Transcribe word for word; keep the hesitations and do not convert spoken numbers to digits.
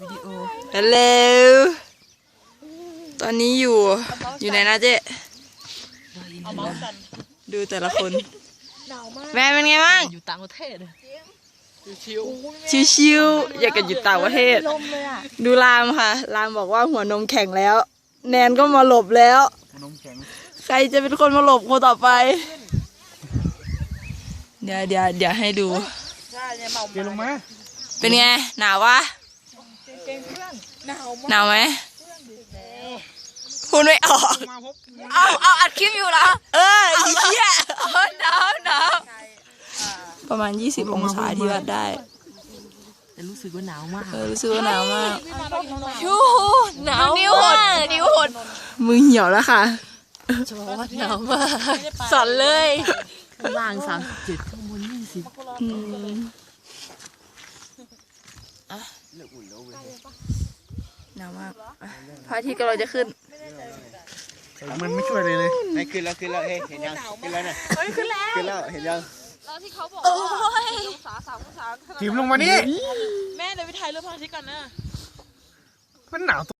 วิดีโอฮัลโหลตอนนี้อยู่อยู่ไหนนะเจ๊ดูแต่ละคนแม่เป็นไงบ้างอยู่ต่างประเทศชิวชิวๆอยากจะอยู่ต่างประเทศดูรามค่ะรามบอกว่าหัวนมแข็งแล้ว แนนก็มาหลบแล้วนมแข็งใครจะเป็นคนมาหลบคนต่อไปเดี๋ยวเดี๋ยวเดี๋ยวให้ดูเดี๋ยวลงมาเป็นไงหนาววะหนาวไหมพูดไม่ออกเอาเอาอัดคลิปอยู่เหรอเออไอ้เหี้ยหนาวหนาวประมาณยี่สิบองศาที่วัดได้แต่รู้สึกว่าหนาวมากเออรู้สึกว่าหนาวมากยูหนาวนิ้วหดนิ้วหดมือเหี่ยวแล้วค่ะจะบอกว่าหนาวมากสั่นเลยข้างล่างสามสิบเจ็ดข้างบนยี่สิบหนาวมากพระอาทิตย์กำลังจะขึ้นมันไม่ช่วยเลยเลยไม่ขึ้นแล้วขึ้นแล้วเฮ้ยเห็นยังขึ้นแล้วเนี่ยเฮ้ยขึ้นแล้วขึ้นแล้วเห็นยังแล้วที่เขาบอกว่าองศาสามองศาถีบลงมานี่แม่เดี๋ยวไปถ่ายรูปพระอาทิตย์ก่อนนะมันหนาว